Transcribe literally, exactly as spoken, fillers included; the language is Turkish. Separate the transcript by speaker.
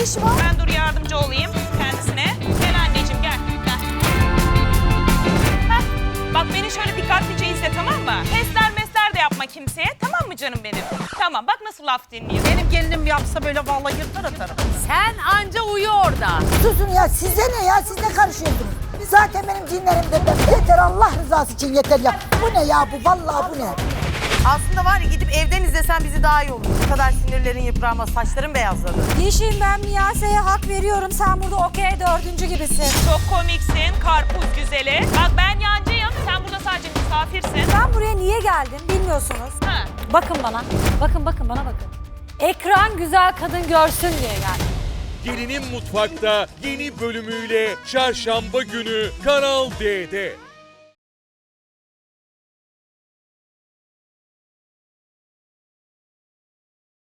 Speaker 1: işi var?
Speaker 2: Ben dur yardımcı olayım kendisine. Gel anneciğim gel. Gel. Heh, bak beni şöyle dikkatlice izle tamam mı? Testler mesler de yapma kimseye tamam mı canım benim? Tamam bak nasıl laf dinliyor.
Speaker 3: Benim gelinim yapsa böyle vallahi yırtar atarım.
Speaker 4: Sen anca uyu orada.
Speaker 1: Susun ya, size ne ya? Siz ne karışıyorsunuz? Zaten benim cinlerim de ben. Yeter, Allah rızası için yeter ya. Bu ne ya bu? Vallahi bu ne?
Speaker 3: Aslında var ya gidip evden izlesen bizi daha iyi olur. Bu kadar sinirlerin yıpranmaz, saçların beyazladı.
Speaker 1: Yeşim, ben Miyase'ye hak veriyorum. Sen burada okey dördüncü gibisin.
Speaker 2: Çok komiksin karpuz güzeli. Bak ben yancıyım sen burada sadece misafirsin.
Speaker 1: Ben buraya niye geldim bilmiyorsunuz.
Speaker 2: Ha.
Speaker 4: Bakın bana. Bakın bakın bana bakın. Ekran güzel kadın görsün diye geldim.
Speaker 5: Gelinin Mutfak'ta yeni bölümüyle Çarşamba günü Kanal D'de.